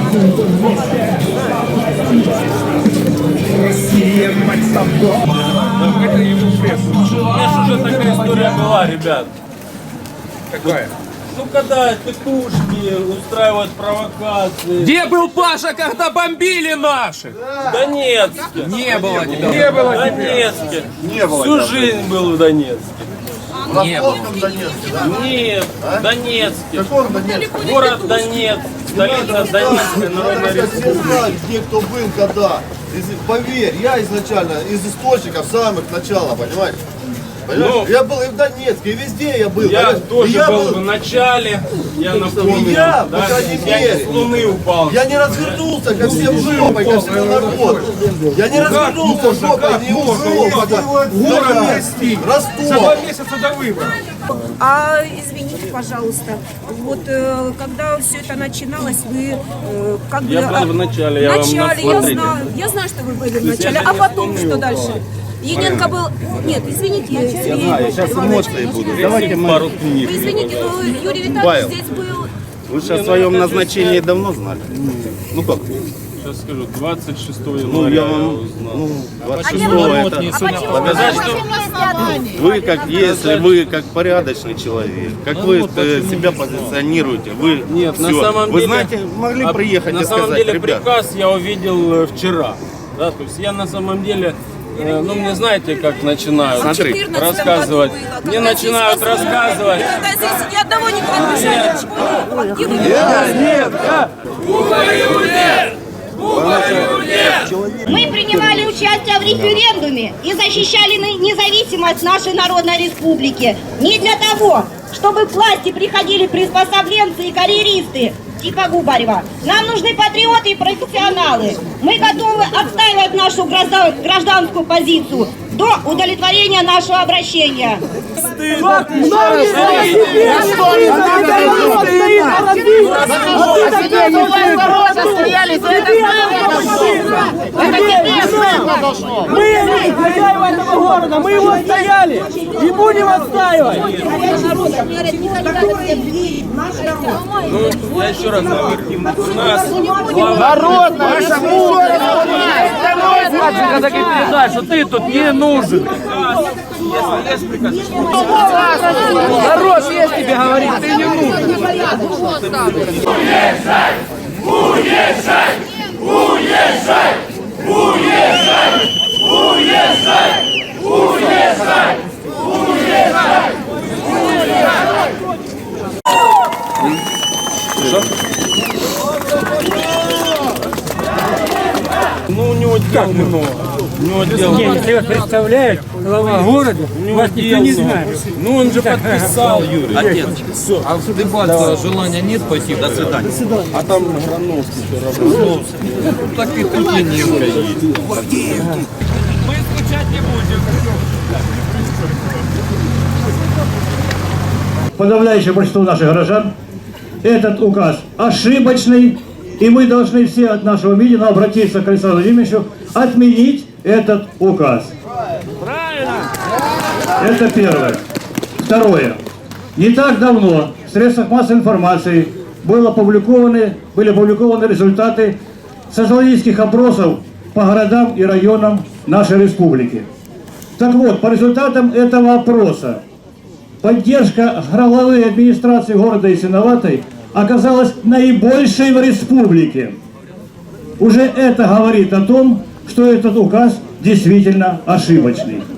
Россия, мать собой. Это ему пресс. У меня же уже такая история была, ребят. Какая? Ну, когда тетушки устраивают провокации. Где был Паша, когда бомбили наших? В Донецке. Не было тебя. Не было В тебя. Донецке. Не было. Всю жизнь был в Донецке. В Ростовском Донецке, да? Нет, в Донецке. В каком Донецке? Город Донецк, столица Донецкой Народной Все Республики. знают, где кто был, когда. Поверь, я изначально из источников самых начала, понимаешь? Ну, Я был и в Донецке, и везде я был. Я понимаешь? тоже И я был в начале, я напомню, я, по да, крайней я не мере. с Луны упал. Я не развернулся ко всем жопой, ко всему народу. Я не развернулся жопой, не ушел. Город Ростов. За Ростов. 2 месяца до выборов. А извините, пожалуйста, вот когда все это начиналось, вы как бы... Я был в начале, я вам начале, смотрите. я знаю, что вы были в есть начале, я а не потом вспомнил, что дальше? Яненко был... Нет, извините, Сергей Сейчас Иванович, эмоции будут. немножко- Давайте мы... Пару книг. Вы извините, но Юрий Витальевич Павел. здесь был... Вы же о своем назначении давно знали? Ну как? Сейчас скажу, 26 Ну января я я вам... узнал. Ну, А 26 почему? это... Доказать, что Вы как, если вы как порядочный человек, как вы себя позиционируете, вы Нет, на всё. самом вы деле... знаете, могли а приехать на и самом сказать, деле ребят, приказ я увидел вчера. Да, то есть я на самом деле, ну мне знаете, как начинают Смотри, В 14 рассказывать. году было, Мне когда начинают здесь рассказывать. Когда здесь ни одного не подписали. Юрий Витальевич, Мы принимали участие в референдуме и защищали независимость нашей народной республики. Не для того, чтобы к власти приходили приспособленцы и карьеристы типа Губарева. Нам нужны патриоты и профессионалы. Мы готовы отстаивать нашу гражданскую позицию до удовлетворения нашего обращения. Мы хозяева этого города, мы его отстояли и будем отстаивать. Ну, я еще раз говорю, у нас Когда передаешь, что ты тут не нужен. если есть приказ, Народ есть тебе говорит, ты не нужен. ну у него дел много. У него дел много. Если вас представляет глава города, вас никто не знает. Ну он же подписал, Юрий. Отец, все. А вступаться желания нет, спасибо. До свидания. А там Грановский все равно. Так и тут Яненко есть. Мы скучать не будем. Подавляющее большинство наших горожан этот указ ошибочный, и мы должны все от нашего митинга обратиться к Александру Владимировичу, отменить этот указ. Это первое. Второе. Не так давно в средствах массовой информации были опубликованы результаты социологических опросов по городам и районам нашей республики. Так вот, по результатам этого опроса поддержка главы администрации города Ясиноватой оказалась наибольшей в республике. Уже это говорит о том, что этот указ действительно ошибочный.